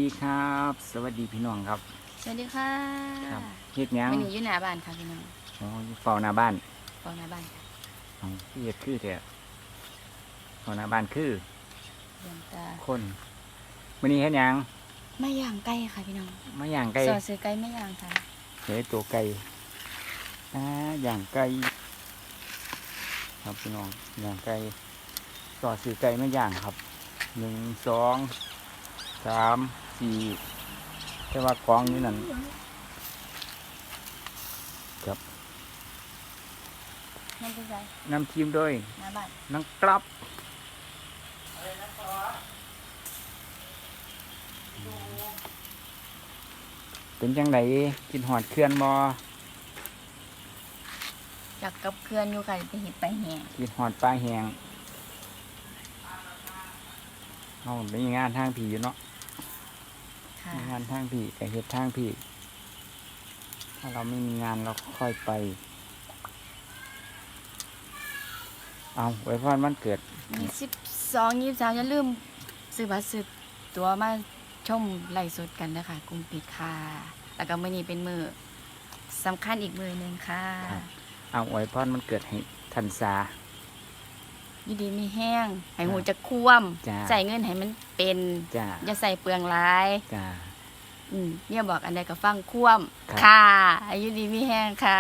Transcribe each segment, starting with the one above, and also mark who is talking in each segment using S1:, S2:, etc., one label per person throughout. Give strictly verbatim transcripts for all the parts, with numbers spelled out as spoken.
S1: ดีครับสวัสดีพี่น้องครับ
S2: สวัสดีค่ะ
S1: ครับเฮ็ดหยัง
S2: วันนี้อยู่หน้าบ้านค่ะพี่น้อง
S1: อ๋ออยู่เฝ้าหน้าบ้าน
S2: เฝ้าหน้าบ้านค่ะ
S1: อ๋อพี่เฮ็ดคือแท้เฝ้าหน้าบ้านคือ
S2: เยี่ยมตา
S1: คนมื้อนี้เฮ็ดหยัง
S2: ไม่ย่างไก่ค่ะพี่น้อง
S1: มาย่างไก่
S2: สอซื้อไก่ไม่ย่างค่ะ
S1: เฮ้ยตัวไก่อ่าย่างไก่ครับพี่น้องย่างไก่ต่อซื้อไก่มาย่างครับหนึ่งสองสามสี่แต่ว่ากองอยู่นั่นครับ
S2: นั่นคือไก่
S1: น้ำทีมด้วย
S2: หน้าบ้าน
S1: น้ำกรับเป็นจังไดกินหอดเคลื่อนบ่
S2: อยากกับเคลื่อนอยู่ค่ะไปเห็ดไปแห่
S1: กินหอดปลาแหงเอาเป็นงานทางผีอยู่เนาะงานทางผีแต่เฮ็ดทางผีถ้าเราไม่มีงานเราค่อยไปเอาไว้พรวันเกิด
S2: ยี่สิบสองยี่สิบสามอย่าลืมซื้อบัตรซื้อตัวมาชมไลฟ์สดกันนะคะกรุงปิดค่ะแล้วก็มื้อนี้เป็นมื้อสำคัญอีกมื้อหนึ่งค่ะ
S1: เอาไว้พรวันเกิดให้ทันซา
S2: อยู่ดีมีแห้งให้หูจะคว่ำใส่เงินให้มันเป็นอย่าใส่เปลืองร้ายอืมเนี่ยบอกอันใดก็ฟังคว่ำค่ะอายุดีมีแห้งค่ะ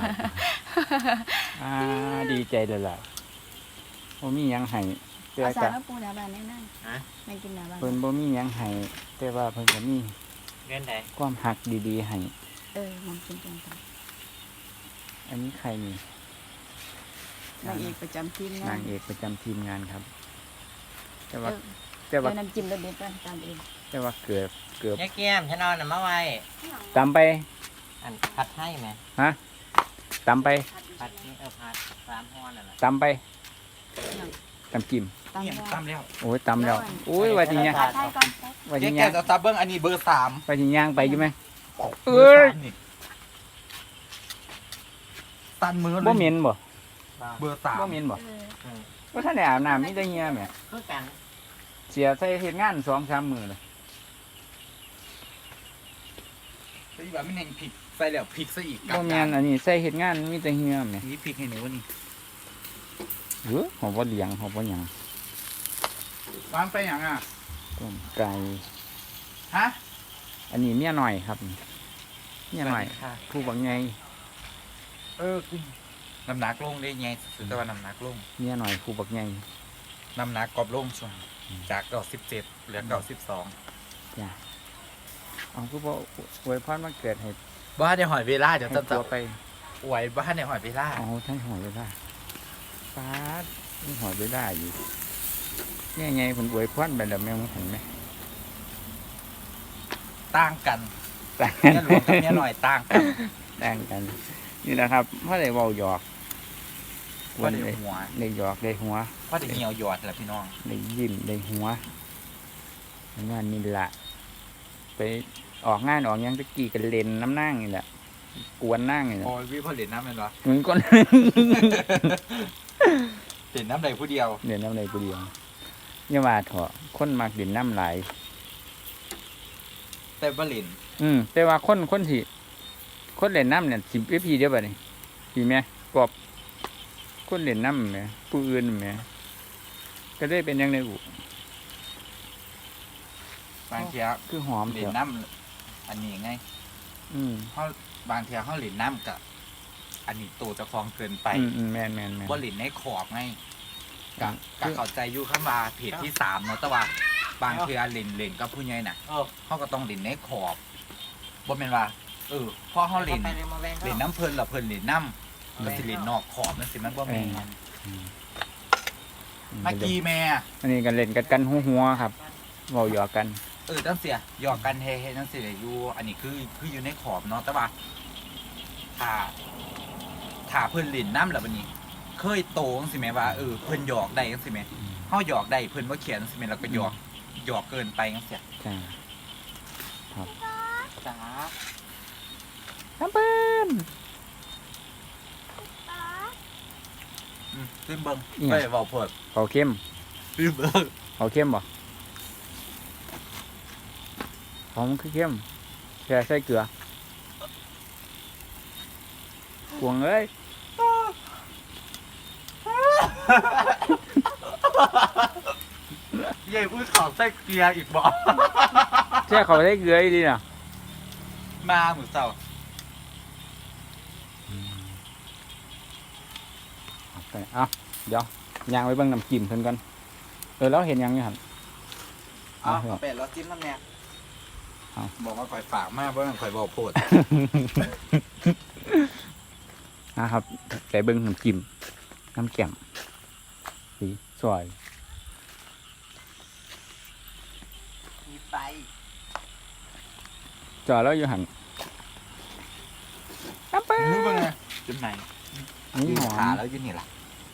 S1: อ่าดีใจเลยล่ะบ่มีหยังให้
S2: แต่ก็เอาปูหน้าบ้านแน่นอนฮะไม่กินหน้าบ้าน
S1: เพิ่นบ่มีหยังให้แต่ว่าเพิ่นก็มี
S3: เงินไหน
S1: ความหักดีๆให้
S2: เออมองกินตรงกัน
S1: อันนี้ใครนี่
S2: นางเอกประจำทีมงาน
S1: นางเอกประจำทีมงานครับแต่ว่า
S2: แต่ว่าน้ำจิ้มรสเด็ดก็ตามเอง
S1: แต่ว่าเกือบเกือบ
S3: แย่แก้มฉันนอนน่ะมาไว้
S1: ตำไป
S3: อันผัดให้ไหม
S1: ฮะตำไป
S3: ผัดนี่เออผัดสามห้อนน่ะ
S1: ตำไปตำจิ้ม
S3: ตำแล้ว
S1: โอ้ยตำแล้วโอ้ยว่าจริงเนี่ยว่าจริง
S3: เนี่ยจะตับเบิ้งอันนี้เบอร์สาม
S1: ว่าจริงย่างไปใช่ไหม
S3: เอ้ยตันมือเลย
S1: บ่เหม็นบ่
S3: เบอร์สาม
S1: บ่เหม็นบ่ว่าท่านได้อาบน้ำนี่ได้เหี้ยแหมเสียใส่เฮ็ดงานสองสามมื้อเลย
S3: แต่อีแบบไม่เห็นพริกใส่แล้วพริกซะอีก
S1: บ่แม่นอันนี้ใส่เฮ็ดงานมีแต่เหี้ยแหม
S3: นี่พริกให้หนูนี่
S1: เออหอมบ่เลี้ยงหอมบ่หยัง
S3: วางไปหยังอ่ะ
S1: ต้มไก่
S3: ฮะ
S1: อันนี้เมียหน่อยครับเมียหน่อยผู้บักใหญ่
S3: เออน้ำหนักลงได้ไงสุดแต่ว่าน้ำหนักลง
S1: เมียหน่อยผู้บักใหญ่
S3: น้ำหนักกรอบลงช่วงจากเก้าสิบเจ็ดเหลือเก้าสิบสอง
S1: จ้ะเอาคือบ่อวยพรวันเกิดให้
S3: บ้านในหอยเวลาเดี๋ยวจะ
S1: ตัวไป
S3: อวยบ้านในหอยเวลา
S1: อ๋อท่านหอยเวลาป้านี่หอยเวลาอยู่เนี่ยไงผมอวยพรไปแล้วแม่งเห็นไหม
S3: ต่างกัน
S1: ต่าง
S3: กันหลวงกับเมียหน่อยต่างกัน
S1: ต่างกันนี่แหละครับเพราะได้เว้าหยอก
S3: ว่าได้หัว
S1: ได้หยอกได้หัว
S3: ว่าได้เหี่ยวหยอดแหละพี่น้อง
S1: ได้ยิ้มได้หัวงานนี่แหละไปออกงานออกยังตะกี้กันเล่นน้ำนั่งนี่แหละกวนนั่งนี่แหละ
S3: โอ้ยวิพอเล่นน้ำเป็นวะ
S1: เหมือนคน
S3: เล่นน้ำใดผู้เดียว
S1: เล่นน้ำใดผู้เดียวอย่าว่าเถอะคนมักเล่นน้ำไหล
S3: แต่บ่เล่น
S1: อืมแต่ว่าคนคนที่คนเล่นน้ำเนี่ยสิบปีเดียวไปนี่ปีแม่กบคนเล่นน้ำแม่ผู้อื่นแม่ก็ได้เป็นยังไงบุ
S3: บางที
S1: คือหอม
S3: เล่นน้ำอันนี้ไง
S1: อืม
S3: เขาบางทีเขาเล่นน้ำกับอันนี้โตจะคลองเกินไป
S1: อืมแม่นแม่นแม่น
S3: ว่าเล่นในขอบไงกับกับเข้าใจอยู่ข้างมาเพจที่สามเนาะแต่ว่าบางทีเล่นเล่นกับผู้ใหญ่น่ะเขาก็ต้องเล่นในขอบบ่แม่นว่าเออพอเขาเล่นเล่นน้ำเพลินหรอเพลินเล่นน้ำก็สิเล่นนอกขอบนั่นสิมันบ่แม่นเมื่อกี้แม่
S1: อันนี้กันเล่นกันกันหัวๆครับเว้าหยอกกัน
S3: เออตั้งเสียหยอกกันเฮ้ๆตั้งเสียอยู่อันนี้คือคืออยู่ในขอบเนาะแต่ว่าถ้าถ้าเพิ่นเล่นน้ำแล้วบัดนี้เคยโตจังซี่แม่ว่าเออเพิ่นหยอกได้จังซี่แม่เฮาหยอกได้เพิ่นบ่เขียนจังซี่แม่แล้วก็หยอกหยอกเกินไปจังซี่
S1: จ้าครับ
S3: จ้า
S1: น้ำเปิ้น
S3: อืมขึ้นเบิ่งไปเว้าเพิ่น
S1: เขาเข้ม
S3: ขึ้นเบิ่ง
S1: เขาเข้มบ่ของมันคือเข้มแค่ใส่เกลือ กวงเอ้ย
S3: เย่พูดขอใส่เกียร์อีกบ่
S1: แช่เขาใส่เกลืออีดีน่ะ
S3: มาหมูเสา
S1: เอาไปเอาเดี๋ยวย่างไว้เบิ่งน้ำจิ้มเพิ่นก่อนเออแล้วเห็นยังอยู่หั่น
S3: เอา
S1: เอา
S3: เป็ดแล้วจิ้มน้ำแน่
S1: เอา
S3: บอกว่าข่อยฝากมากเพราะข่อยบอกโพด
S1: นะครับใส่เบิ่งน้ำจิ้มน้ำแก้มสีสวย
S3: มีไป
S1: จอแล้วอยู่หั่นน้ำเปิ้
S3: รู้ป่ะ
S1: ล
S3: ไงจุดไหน
S1: นี่หอ
S3: ขาม แล้วยืนนี่ล่ะ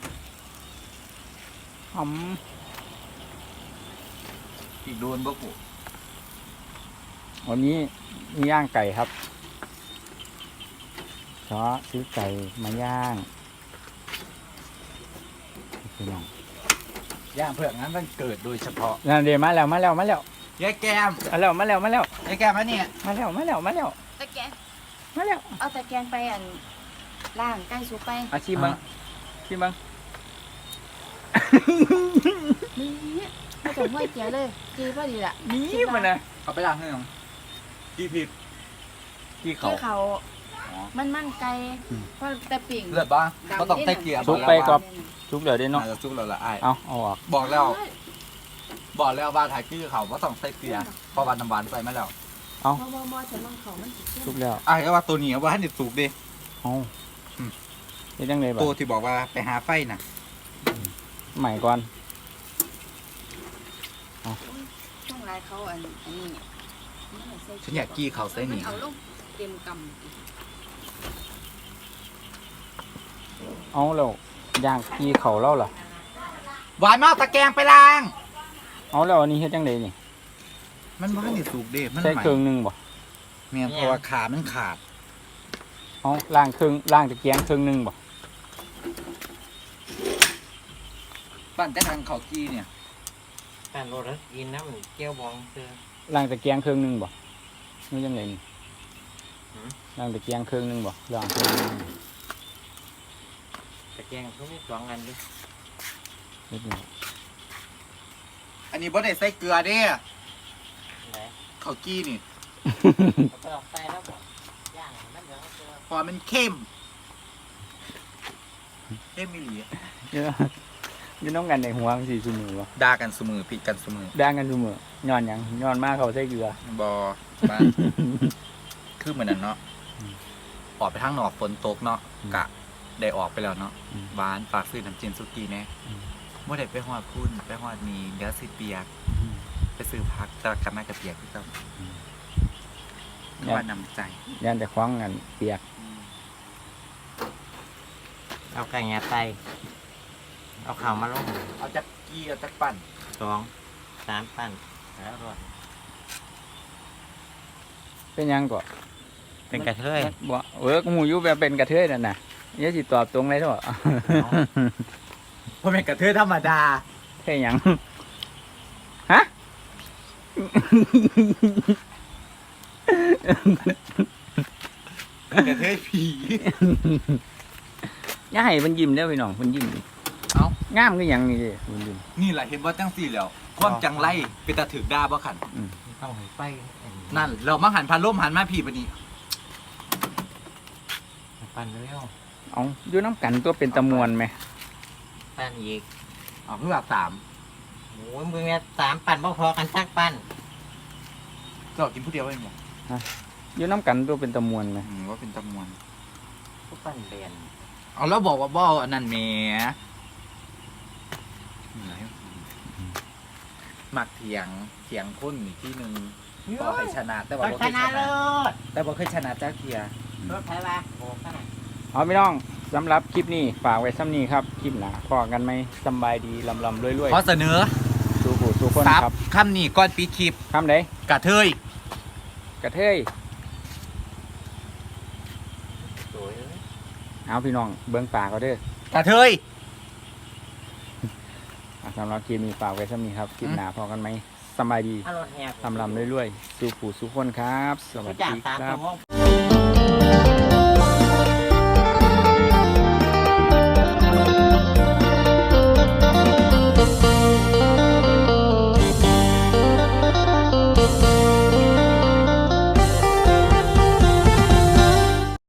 S1: หอม
S3: อีกโดนบ่กู
S1: วันนี้มีย่างไก่ครับเพราะซื้อไก่มาย่างพี่น้อง
S3: ย่างเพื่องั้นมันเกิดโดยเฉพาะ
S1: นั่นเดี๋ยวมาแล้วมาแล้วมาแล้ว
S3: ยายแก้ม
S1: มาแล้วมาแล้วมาแล้ว
S3: ยายแก้มมาเนี่ย
S1: มาแล้วมาแล้วมาแล้ว
S2: ตะแกรง
S1: มาแล้ว
S2: เอาตะแกรงไปอันล่างใกล้สุกไป
S1: อาชิมบังชิมบัง
S2: นี่ไม่ต้องห้วยเกียเลยจีพอดีละ
S1: นี่มันนะ
S3: เอาไปล้างให้หน่อยกี่ผิด
S1: กี่เขา
S2: ที่เขา
S3: อ๋อ
S2: มันมันไกล
S1: อืม
S2: เพราะแต่ปิ่ง
S3: เลือดบ้างก็ต้องใส่เกียร์
S1: ซุกไปก่อน ทุกเดี๋ยวได้
S3: เนาะ
S1: เนาะ
S3: ซุกเราละไอ้าย
S1: เอาเอาออก
S3: บอกแล้ว บอกแล้วว่าถ่ายคือเขาว่าต้องใส่เกียร์เพราะวันน้ำหวานใส่มาแล้ว
S2: มอมอมอฉันลองเขามันสิเข้ม
S1: ทุกแล้ว
S3: ไอ้ายก็ว่าตัวนี้ว่าให้เด็ดสุกดิ
S1: เอา
S3: อืม
S1: นี่จังเลยบ่
S3: ตัวที่บอกว่าไปหาไฟน่ะ
S1: ใหม่ก่อน
S2: ช่วงไรเขาอันอันนี้มัใส่
S3: ฉันอยากกี้เขาใส่
S2: มั
S3: นี่
S2: นเอาลงเต็มก
S1: เอาแล้วย่างกี่เขาเล่าล่ะ
S3: หวานมากตะแกรงไปล้าง
S1: เอาแล้วอันนี้เฮ็ดจังไดนี่
S3: มันว่าให้เด็ดสุกดิมัน
S1: ใส่
S3: ใหม่
S1: เครื่องหนึงบ่
S3: เมียเพราะว่าขามันขาด
S1: เอาล่างเครื่องล่างตะเกียงเครื่องหนึงบ่
S3: ปั้นแต่ทางเขากี้เนี่ย
S4: การรถกินน้ำเกี๊ยวบองเตือ
S1: ล่างตะเกียงเครื่องหนึงบ่นี่จังไดนี่
S4: หือ
S1: ล่างตะเกียงเครื่องหนึงบ่ล่างเครื่องหนึง
S4: ตะแกรงเขาไม่สองอันดิ
S1: นิดหนึง
S3: อันนี้บ่ได้ใส่เกลือเด้
S4: ไหน
S3: เขากี้นี่
S4: เอาไปออกใส่แล้วบอกย่างมันเดี๋ยวเจอ
S3: พอมันเข้มเข้มมิลี
S1: เยอะอยู่น้องกันในหัวมันสิซุมื้อบ่
S3: ด่ากันเสมอผิดกันเสมอ
S1: ด่างกันซุมื้อย้อนหยังย้อนมาเขาใส่เกลือ
S3: บอบ้าน คือเหมือนนั้นเนาะ
S1: อืม
S3: ออกไปทางนอกฝนตกเนาะ
S1: อืม
S3: กะได้ออกไปแล้วเนาะ
S1: อืม
S3: บ้านฝากซื้อน้ำจิ้มสุกี้แน่
S1: อืม
S3: เมื่อได้ไปฮอดพุ่นไปฮอดมีเดี๋ยวสิเปียก ไปซื้อพักจะกลับมากับเปียกที่เจ้า
S1: อืม
S3: คือว่านำใจ
S1: ย่านแต่คว้างกันเปียก
S4: เอาไก่งาไตเอาข่าวมาลง
S3: เอาจักกี้เอาจักปั่น
S4: สองสามปั้นแล้วรอด
S1: เป็นหยังก็
S4: เป็นกระเทย
S1: บ่เออกูหูอยู่แบบเป็นกระเทยนั่นน่ะอย่าสิตอบตรงเลยเถอะ
S3: เพราะเป็นกระเทยธรรมดา
S1: เท่หยังฮะ
S3: กระเทยผี
S1: อย่าให้เพิ่นยิ้มเด้อพี่น้องเพิ่นยิ้ม
S3: เอ้าง
S1: ามคือหยังนี่เด้เพิ่นยิ้ม
S3: นี่แหละเห็นว่าจังสี่แล้ว ความจังไรเป็นตาถือดาบ่ขัน
S4: ต้องให้ไฟ
S3: นั่น เรามาหันพันล่มหันมาผีปะนี่
S4: ปั้นเร็ว
S1: เอาอยู่น้ำกันตัวเป็นตะมวนไหม
S4: ปั้นอีก
S3: อ๋อเพิ่งหลับสาม
S4: โอ้ยมึงเนี่ยสามปั้นบ่พอกันสักปั้น
S3: เจ้ากินผู้เดียวเองเหรอ
S1: อยู่น้ำกันตัวเป็นตะมวนไหม
S3: อืมว่าเป็นตะมวน
S4: ทุกปั้นเรียน
S3: เอาแล้วบอกว่าบ่อันนั้นแหมมักเถียงเถียงคนอีกที่หนึ่งพอให้ชนะแต่ว่า
S4: ก็
S3: บ่
S4: ช
S3: เคยช
S4: นะเล
S3: นะ
S4: ย
S3: แต่บ่เคยชนะจ้าเทีย
S4: รถไถวะโอ้ขนาด
S1: เอาพี่น้องสำหรับคลิปนี้ฝากไว้ซ้ำนี้ครับคลิปหน้าพอกันไหมสำบายดีลำลำรวยรวย
S3: ขอเสนอ
S1: ๆสู้ผู้สู้คน
S3: ซับ
S1: ครับ
S3: คำนี้ก่อนปีคลิป
S1: คำไหน
S3: กระเทย
S1: กระเทย
S4: สวยเลย
S1: เอาพี่น้องเบื้องป่าก็เด้อก
S3: ระเทย
S1: อ่ะสำหรับคลิปนี้ฝากไว้ซ้ำนี้ครับคลิปหน้าพอกันไหมสำบายดี
S4: อารถแหก
S1: ทำลำเรื่อยๆสู่ผู้สู่คนครับ สวัส
S4: จาก
S1: ดี
S4: สาม
S1: ครั
S4: ตั
S1: บ
S4: ว